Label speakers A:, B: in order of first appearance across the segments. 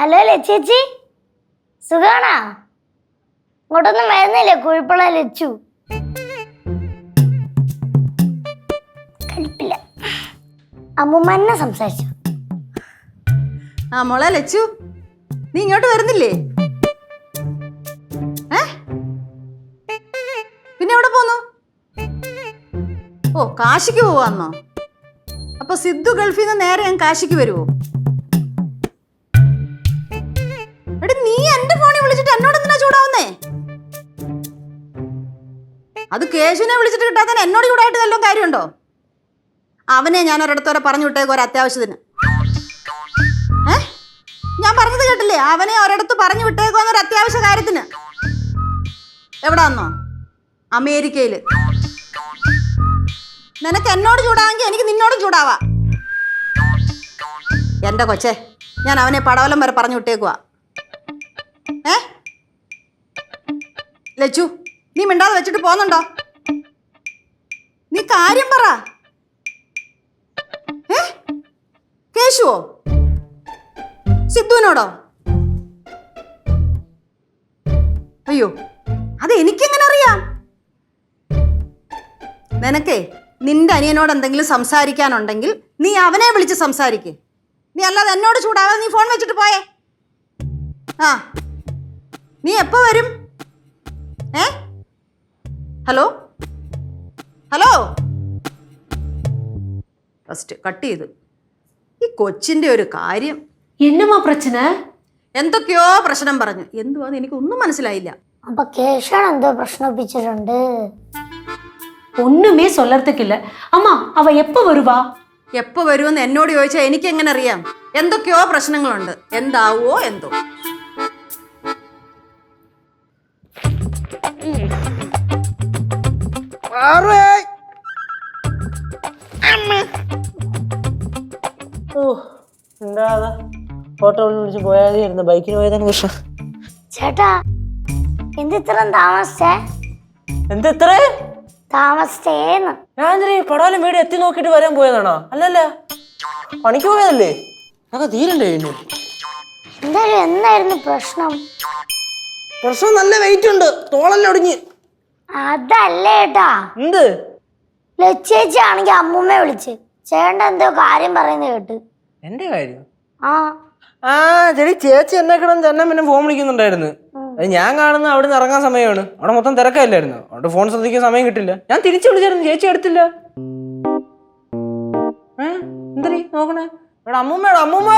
A: Hello ലച്ചേച്ചി, സുഖാണോ? ഇങ്ങോട്ടൊന്നും വരുന്നില്ലേ? കുഴപ്പമുള്ള ലച്ചു കലിപ്പില്ല. അമ്മൂമ്മ എന്നെ സംസാരിച്ചു.
B: ആ മോളെ ലച്ചു, നീ ഇങ്ങോട്ട് വരുന്നില്ലേ? പിന്നെ എവിടെ പോന്നു? ഓ, കാശിക്ക് പോവാന്നോ? അപ്പൊ സിദ്ധു ഗൾഫിൽ നിന്ന് നേരെ ഞാൻ കാശിക്ക് വരുവോ? എടി, നീ എന്റെ ഫോണിൽ വിളിച്ചിട്ട് എന്നോട് എന്തിനാ ചൂടാവുന്നേ? അത് കേശുവിനെ വിളിച്ചിട്ട് കിട്ടാത്ത എന്നോട് ചൂടായിട്ട് വല്ലതും കാര്യമുണ്ടോ? അവനെ ഞാൻ ഒരിടത്തോടെ പറഞ്ഞു വിട്ടേക്കും ഒരു അത്യാവശ്യത്തിന്. ഞാൻ പറഞ്ഞത് കേട്ടില്ലേ? അവനെ ഒരിടത്ത് പറഞ്ഞു വിട്ടേക്കോന്നൊരു അത്യാവശ്യ കാര്യത്തിന്. എവിടാന്നോ? അമേരിക്കയില്. നിനക്ക് എന്നോട് ചൂടാവെങ്കിൽ എനിക്ക് നിന്നോടും ചൂടാവാ. എന്റെ കൊച്ചേ, ഞാൻ അവനെ പടവലം വരെ പറഞ്ഞു വിട്ടേക്കുവാ. ലച്ചു, നീ മിണ്ടാതെ വെച്ചിട്ട് പോന്നുണ്ടോ? നീ കാര്യം പറ. കേശുവോ? സിദ്ധുവിനോടോ? അയ്യോ, അത് എനിക്കെങ്ങനെ അറിയാം? നിനക്കേ നിന്റെ അനിയനോട് എന്തെങ്കിലും സംസാരിക്കാനുണ്ടെങ്കിൽ നീ അവനെ വിളിച്ച് സംസാരിക്ക്. നീ അല്ലാതെ എന്നോട് ചൂടാവാതെ നീ ഫോൺ വെച്ചിട്ട് പോയേ. ആ, നീ എപ്പോ വരും? ഹലോ ഹലോ, ഫസ്റ്റ് കട്ട് ചെയ്തു. ഈ കൊച്ചിന്റെ ഒരു കാര്യം.
C: എന്നമാ പ്രശ്ന?
B: എന്തൊക്കെയോ പ്രശ്നം പറഞ്ഞു. എന്തുവാന്ന് എനിക്കൊന്നും മനസ്സിലായില്ല.
A: അപ്പൊ കേശവൻ എന്തോ പ്രശ്നപ്പിച്ചിട്ടുണ്ട്.
C: ഒന്നുമേ சொல்லறதுக்கில்ல. അമ്മ, അവ എപ്പോ വരുവാ?
B: എപ്പോ വരുമെന്ന് എന്നോട് ചോദിച്ചാൽ എനിക്ക് എങ്ങനെ അറിയാം? എന്തൊക്കെയോ പ്രശ്നങ്ങളുണ്ട്. എന്താവോ എന്തോ.
D: ഓട്ടോ വിളിച്ച് പോയായിരുന്നു. ബൈക്കിന് പോയതാണ് പ്രശ്നം.
A: ചേട്ടാ, എന്തിത്രയും താമസിച്ചേ?
D: എന്തിത്ര
A: താമസിച്ചേന്ന്?
D: ഞാൻ പടാലും വീട് എത്തി നോക്കിട്ട് വരാൻ പോയതാണോ? അല്ലല്ല, പണിക്ക് പോയതല്ലേ. അതൊക്കെ തീരണ്ടേ?
A: എന്തായാലും എന്നായിരുന്നു പ്രശ്നം?
D: പ്രശ്നം നല്ല വെയിറ്റ് ഉണ്ട്, തോളെല്ലാം ഒടിഞ്ഞ്.
A: അതല്ലേ ചേട്ടാ,
D: എന്ത്?
A: ലച്ചേച്ചി ആണെങ്കി അമ്മൂമ്മയെ വിളിച്ച് ചേട്ടൻ എന്തോ കാര്യം പറയുന്നത് കേട്ട്.
D: എന്റെ കാര്യം?
A: ആ
D: ശരി, ചേച്ചി എന്നെ കിടന്ന് തന്നെ പിന്നെ ഫോൺ വിളിക്കുന്നുണ്ടായിരുന്നു. അത് ഞാൻ കാണുന്ന അവിടെ നിന്ന് ഇറങ്ങാൻ സമയമാണ്. അവിടെ മൊത്തം തിരക്കല്ലായിരുന്നു. അവിടെ ഫോൺ ശ്രദ്ധിക്കാൻ സമയം കിട്ടില്ല. ഞാൻ തിരിച്ചു വിളിച്ചായിരുന്നു, ചേച്ചി എടുത്തില്ല. എന്തരീ നോക്കണേ? അമ്മൂമ്മ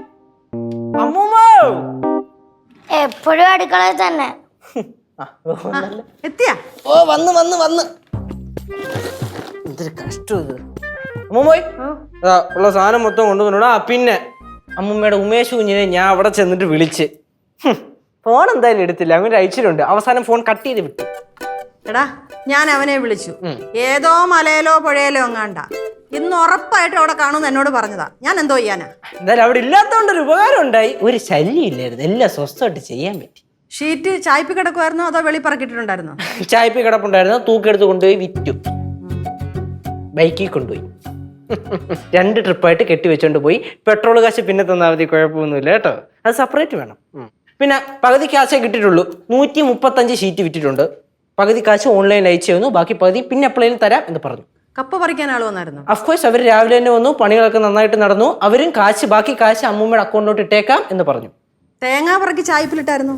A: എപ്പോഴും അടുക്കളയിൽ തന്നെ.
B: എത്തിയാ?
D: ഓ, വന്ന് എന്തൊരു കഷ്ടം ഇത്. അമ്മൂമ്മോയ്, ഉള്ള സാധനം മൊത്തം കൊണ്ടുവന്നോടാ. പിന്നെ അമ്മൂമ്മയുടെ ഉമേഷ് കുഞ്ഞിനെ ഞാൻ അവിടെ ചെന്നിട്ട് വിളിച്ച് ഫോൺ എന്തായാലും എടുത്തില്ല. അങ്ങനെ അയച്ചിട്ടുണ്ട്. അവസാനം ഫോൺ കട്ട് ചെയ്ത് വിട്ടു.
B: എടാ, ഞാൻ അവനെ വിളിച്ചു. ഏതോ മലയിലോ പുഴയിലോ എങ്ങാണ്ട. ഇന്ന് ഉറപ്പായിട്ട് അവിടെ കാണുമെന്ന് എന്നോട് പറഞ്ഞതാ. ഞാൻ എന്തോ ചെയ്യാനാ?
D: എന്തായാലും അവിടെ ഇല്ലാത്തതുകൊണ്ടൊരു ഉപകാരം ഉണ്ടായി. ഒരു ശല്യം ഇല്ലായിരുന്നു, എല്ലാം സ്വസ്ഥമായിട്ട് ചെയ്യാൻ പറ്റി.
B: ഷീറ്റ് ചായ്പി കിടക്കുമായിരുന്നോ അതോ വെളിപ്പറക്കിട്ടുണ്ടായിരുന്നോ?
D: ചായപ്പി കിടപ്പുണ്ടായിരുന്നു, തൂക്കെടുത്ത് കൊണ്ടുപോയി വിറ്റു. ബൈക്കിൽ കൊണ്ടുപോയി 2 ട്രിപ്പായിട്ട് കെട്ടി വെച്ചോണ്ട് പോയി. പെട്രോൾ കാശ് പിന്നെ തന്നാൽ മതി, കുഴപ്പമൊന്നുമില്ല കേട്ടോ. അത് സെപ്പറേറ്റ് വേണം. പിന്നെ പകുതി കാശേ കിട്ടിയിട്ടുള്ളൂ. 135 ഷീറ്റ് വിറ്റിട്ടുണ്ട്. പകുതി കാശ് ഓൺലൈനിൽ അയച്ചു തന്നു, ബാക്കി പകുതി പിന്നെ എപ്പോഴേലും തരാം എന്ന് പറഞ്ഞു.
B: കപ്പ പറിക്കാൻ ആൾ വന്നായിരുന്നു?
D: അഫ്കോഴ്സ്, അവർ രാവിലെ തന്നെ വന്നു. പണികളൊക്കെ നന്നായിട്ട് നടന്നു. അവരും ബാക്കി കാശ് അമ്മൂമ്മയുടെ അക്കൗണ്ടിലോട്ട് ഇട്ടേക്കാം എന്ന് പറഞ്ഞു.
B: തേങ്ങ പറക്കി ചായപ്പിലിട്ടായിരുന്നു?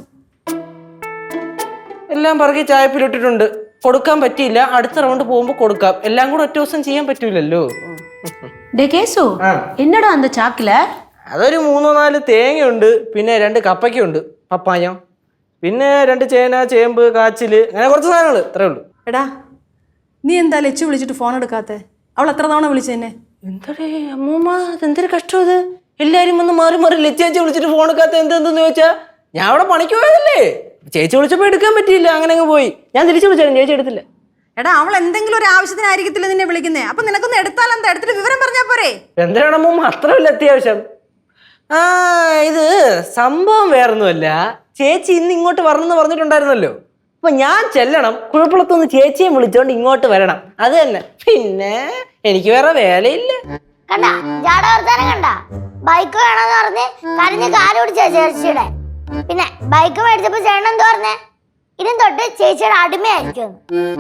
D: എല്ലാം പറക്കി ചായപ്പിലിട്ടിട്ടുണ്ട്. കൊടുക്കാൻ പറ്റിയില്ല. അടുത്ത റൗണ്ട് പോകുമ്പോൾ കൊടുക്കാം. എല്ലാം കൂടെ ഒറ്റ ദിവസം ചെയ്യാൻ പറ്റൂലല്ലോ.
C: കേശു, എന്നടാ അന്ത ചാക്കില?
D: അതൊരു 3-4 തേങ്ങയുണ്ട്, പിന്നെ 2 കപ്പയ്ക്കുണ്ട്, പപ്പായ, പിന്നെ 2 ചേന, ചേമ്പ്, കാച്ചില്, അങ്ങനെ കുറച്ച് സാധനങ്ങൾ. ഇത്രേ ഉള്ളൂ.
B: എടാ, നീ എന്താ ലച്ചു വിളിച്ചിട്ട് ഫോൺ എടുക്കാത്തെ? അവൾ എത്ര തവണ വിളിച്ചെന്നെ?
D: എന്താടേ അമ്മൂമ്മ, എന്തൊരു കഷ്ടം ഇത്. എല്ലാരും വന്ന് മാറി മാറി ലച്ചേച്ചി വിളിച്ചിട്ട് ഫോൺ എടുക്കാത്ത എന്തെന്ന് ചോദിച്ചാ, ഞാൻ അവിടെ പണിക്ക് പോയതല്ലേ. ചേച്ചി വിളിച്ചപ്പോ എടുക്കാൻ പറ്റിയില്ല, അങ്ങനെ അങ്ങ് പോയി. ഞാൻ തിരിച്ചു വിളിച്ചാലും ചേച്ചി എടുത്തില്ല.
B: എടാ, അവൾ എന്തെങ്കിലും ഒരു ആവശ്യത്തിനായിരിക്കത്തില്ല നിന്നെ വിളിക്കുന്നേ. അപ്പൊ നിനക്കൊന്ന് എടുത്താൽ എന്താ? എടുത്തിട്ട് വിവരം പറഞ്ഞാ പോരെ?
D: എന്തിനാണ് അമ്മൂമ്മ അത്രയല്ല അത്യാവശ്യം? ഇത് സംഭവം വേറൊന്നുമല്ല. ചേച്ചി ഇന്ന് ഇങ്ങോട്ട് വരണമെന്ന് പറഞ്ഞിട്ടുണ്ടായിരുന്നല്ലോ. അപ്പൊ ഞാൻ ചെല്ലണം. കുഴപ്പമുള്ളതൊന്ന് ചേച്ചിയെ വിളിച്ചോണ്ട് ഇങ്ങോട്ട് വരണം, അത് തന്നെ. പിന്നെ എനിക്ക് വേറെ വേലയില്ല.
A: കണ്ട ജാട വർത്താനം കണ്ട. ബൈക്ക് വേണമെന്ന് പറഞ്ഞ് കരഞ്ഞ് കാല് പിടിച്ച ചേച്ചിയുടെ. പിന്നെ ബൈക്ക് മേടിച്ചപ്പോ ചേട്ടൻ എന്താ പറഞ്ഞേ? ഇനി തൊട്ട് ചേച്ചിയുടെ അടിമയായിരിക്കും.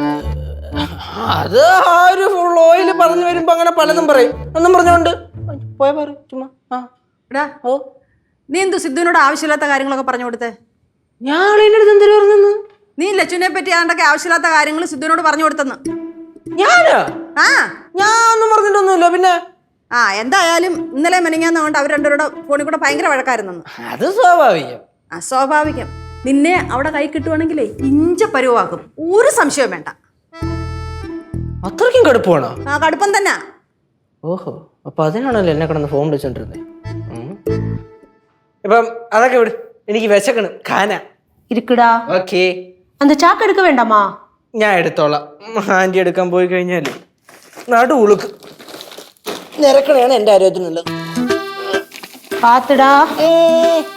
D: അത് ആ ഒരു ഫുൾ ഓയിൽ പറഞ്ഞു വരുമ്പോ അങ്ങനെ പലതും പറയും. ഒന്നും പറഞ്ഞോണ്ട് പോയ പറയും ചുമ്മാ.
B: എടാ ഓ നീ എന്തു സിദ്ധുവിനോട് ആവശ്യമില്ലാത്ത കാര്യങ്ങളൊക്കെ പറഞ്ഞു കൊടുത്തേ?
D: ഞാൻ അതിൻ്റെ അടുത്ത് എന്തൊരു പറഞ്ഞു?
B: നീ ലച്ചുവിനെ പറ്റി ആണ്ടൊക്കെ ആവശ്യമില്ലാത്ത കാര്യങ്ങൾ സിദ്ധുവിനോട് പറഞ്ഞു കൊടുത്തെന്ന്.
D: ഞാനാ?
B: ആ
D: ഞാൻ ഒന്നും പറഞ്ഞിട്ടൊന്നുമില്ല. പിന്നെ
B: ആ എന്തായാലും ഇന്നലെ മെനങ്ങാന്ന് കൊണ്ട് അവർ രണ്ടുപേരുടെ ഫോണിൽ കൂടെ ഭയങ്കര വഴക്കായിരുന്നു.
D: അത് സ്വാഭാവികം.
B: അസ്വാഭാവികം. നിന്നെ അവിടെ കൈ കിട്ടുവാണെങ്കിലേ ഇഞ്ച പരുവാക്കും. ഒരു സംശയവും വേണ്ട.
D: അത്രയ്ക്കും കടുപ്പമാണോ?
B: ആ കടുപ്പം തന്നെ.
D: ഓഹോ, അപ്പൊ അതിനാണല്ലോ എന്നെ കിടന്ന് ഫോൺ വിളിച്ചോണ്ടിരുന്നത്. ഇപ്പം അതൊക്കെ വിട്, എനിക്ക് വിശക്കണം. ഖാന
C: இருக்குடா.
D: ഓക്കേ,
C: அந்த சாக்கு எடுக்க வேண்டாமா?
D: ഞാൻ എടുത്തോളാം. ആന്റി എടുക്കാൻ പോയി കഴിഞ്ഞാല് നടു ഉളുക്ക് നിരക്കണയാണ് എൻ്റെ ആരോഗ്യത്തിനുള്ളത്.
C: பாத்துடா.